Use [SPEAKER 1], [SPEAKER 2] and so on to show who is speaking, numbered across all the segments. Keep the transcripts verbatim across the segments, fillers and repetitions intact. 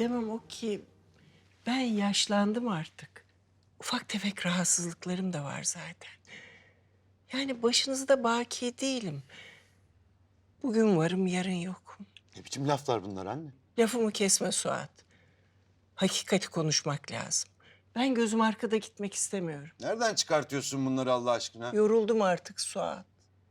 [SPEAKER 1] demem o ki ben yaşlandım artık. Ufak tefek rahatsızlıklarım da var zaten. Yani başınızda baki değilim. Bugün varım, yarın yokum.
[SPEAKER 2] Ne biçim laflar bunlar anne?
[SPEAKER 1] Lafımı kesme Suat. Hakikati konuşmak lazım. Ben gözüm arkada gitmek istemiyorum.
[SPEAKER 2] Nereden çıkartıyorsun bunları Allah aşkına?
[SPEAKER 1] Yoruldum artık Suat.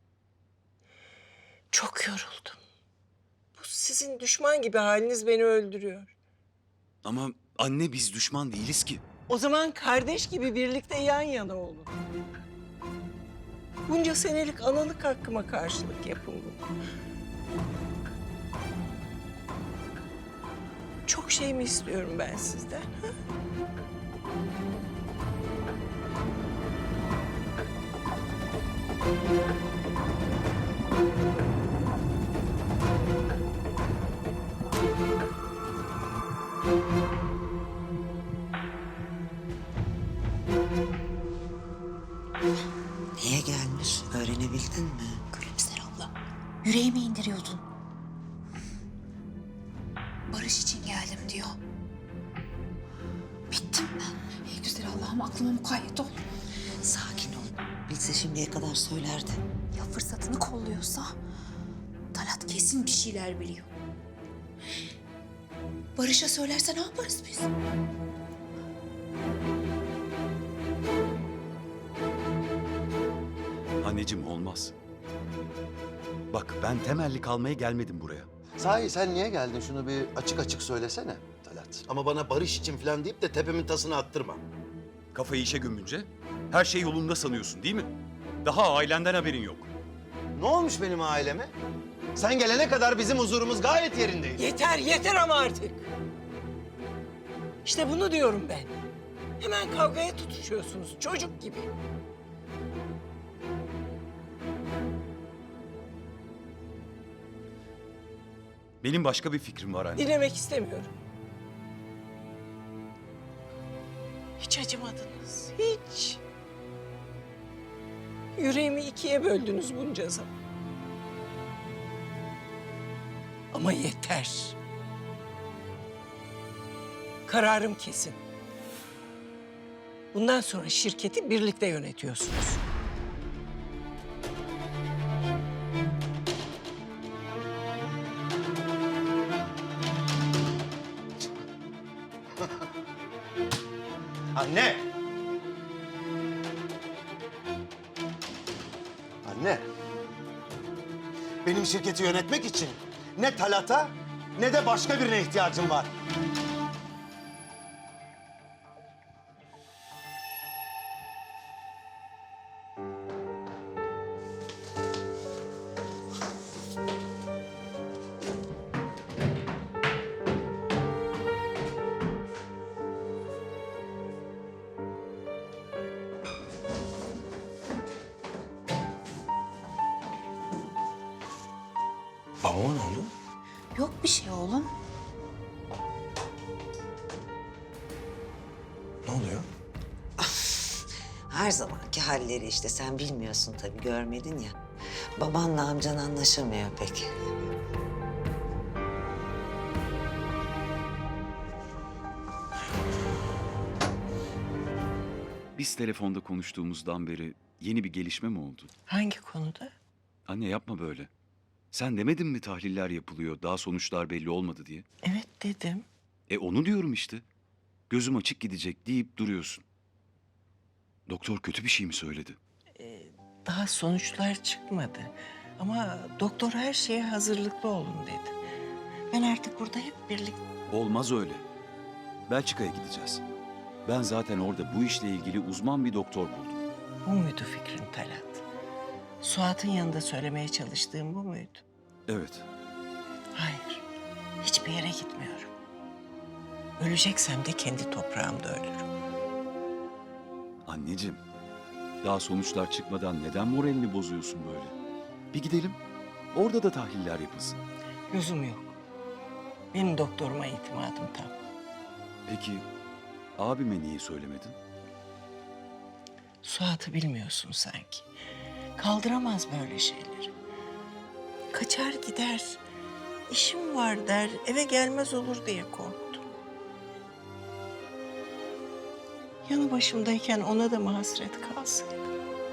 [SPEAKER 1] Çok yoruldum. Bu sizin düşman gibi haliniz beni öldürüyor.
[SPEAKER 3] Ama anne biz düşman değiliz ki.
[SPEAKER 1] O zaman kardeş gibi birlikte yan yana olun. Bunca senelik analık hakkıma karşılık yapın bunu. Çok şey mi istiyorum ben sizden? Ha?
[SPEAKER 4] Niye gelmiş? Öğrenebildin mi?
[SPEAKER 5] Gülümser abla, yüreğimi indiriyordun. Barış için geldim diyor. Bittim ben. Ey güzel Allah'ım, aklıma mukayyet ol.
[SPEAKER 4] Sakin ol. Bilse şimdiye kadar söylerdi.
[SPEAKER 5] Ya fırsatını kolluyorsa? Talat kesin bir şeyler biliyor. Barış'a söylerse ne yaparız biz?
[SPEAKER 3] Anneciğim olmaz. Bak ben temelli kalmaya gelmedim buraya.
[SPEAKER 2] Sahi sen niye geldin? Şunu bir açık açık söylesene Talat. Ama bana barış için falan deyip de tepemin tasını attırma.
[SPEAKER 3] Kafayı işe gömünce her şey yolunda sanıyorsun değil mi? Daha ailenden haberin yok.
[SPEAKER 2] Ne olmuş benim aileme? Sen gelene kadar bizim huzurumuz gayet yerindeydi.
[SPEAKER 1] Yeter, yeter ama artık. İşte bunu diyorum ben. Hemen kavgaya tutuşuyorsunuz, çocuk gibi.
[SPEAKER 3] Benim başka bir fikrim var anne.
[SPEAKER 1] Dinlemek istemiyorum. Hiç acımadınız, hiç. Yüreğimi ikiye böldünüz bunca zaman. Ama yeter. Kararım kesin. Bundan sonra şirketi birlikte yönetiyorsunuz.
[SPEAKER 2] Anne! Anne! Benim şirketi yönetmek için ne Talat'a ne de başka birine ihtiyacım var. Babama ne oldu?
[SPEAKER 5] Yok bir şey oğlum.
[SPEAKER 2] Ne oluyor?
[SPEAKER 4] Her zamanki halleri işte. Sen bilmiyorsun tabii, görmedin ya. Babanla amcan anlaşamıyor pek.
[SPEAKER 3] Biz telefonda konuştuğumuzdan beri yeni bir gelişme mi oldu?
[SPEAKER 1] Hangi konuda?
[SPEAKER 3] Anne yapma böyle. Sen demedin mi tahliller yapılıyor, daha sonuçlar belli olmadı diye?
[SPEAKER 1] Evet dedim.
[SPEAKER 3] E onu diyorum işte. Gözüm açık gidecek deyip duruyorsun. Doktor kötü bir şey mi söyledi?
[SPEAKER 1] Daha sonuçlar çıkmadı. Ama doktor her şeye hazırlıklı olun dedi. Ben artık burada hep birlikte...
[SPEAKER 3] Olmaz öyle. Belçika'ya gideceğiz. Ben zaten orada bu işle ilgili uzman bir doktor buldum.
[SPEAKER 1] Bu muydu fikrin Talat? Suat'ın yanında söylemeye çalıştığım bu muydu?
[SPEAKER 3] Evet.
[SPEAKER 1] Hayır. Hiçbir yere gitmiyorum. Öleceksem de kendi toprağımda ölürüm.
[SPEAKER 3] Anneciğim, daha sonuçlar çıkmadan neden moralini bozuyorsun böyle? Bir gidelim, orada da tahliller yapılsın.
[SPEAKER 1] Lüzum yok. Benim doktoruma itimadım tam.
[SPEAKER 3] Peki, abime niye söylemedin?
[SPEAKER 1] Suat'ı bilmiyorsun sanki. Kaldıramaz böyle şeyleri. Kaçar gider. İşim var der, eve gelmez olur diye korktum. Yanı başımdayken ona da mı hasret kalsaydı?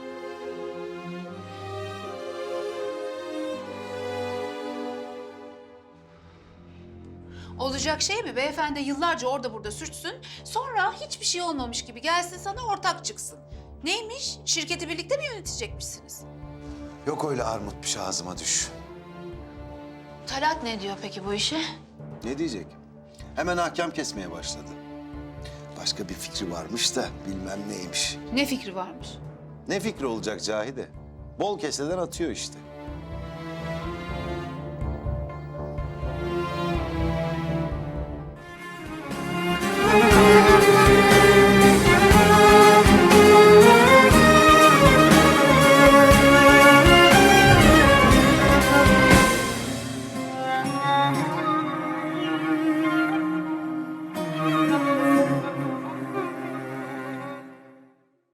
[SPEAKER 5] Olacak şey mi? Beyefendi yıllarca orada burada sürtsün. Sonra hiçbir şey olmamış gibi gelsin sana ortak çıksın. Neymiş? Şirketi birlikte mi yönetecekmişsiniz?
[SPEAKER 2] Yok öyle armut piş ağzıma düş.
[SPEAKER 5] Talat ne diyor peki bu işe?
[SPEAKER 2] Ne diyecek? Hemen hakem kesmeye başladı. Başka bir fikri varmış da bilmem neymiş.
[SPEAKER 5] Ne fikri varmış?
[SPEAKER 2] Ne fikri olacak Cahide? Bol keseden atıyor işte.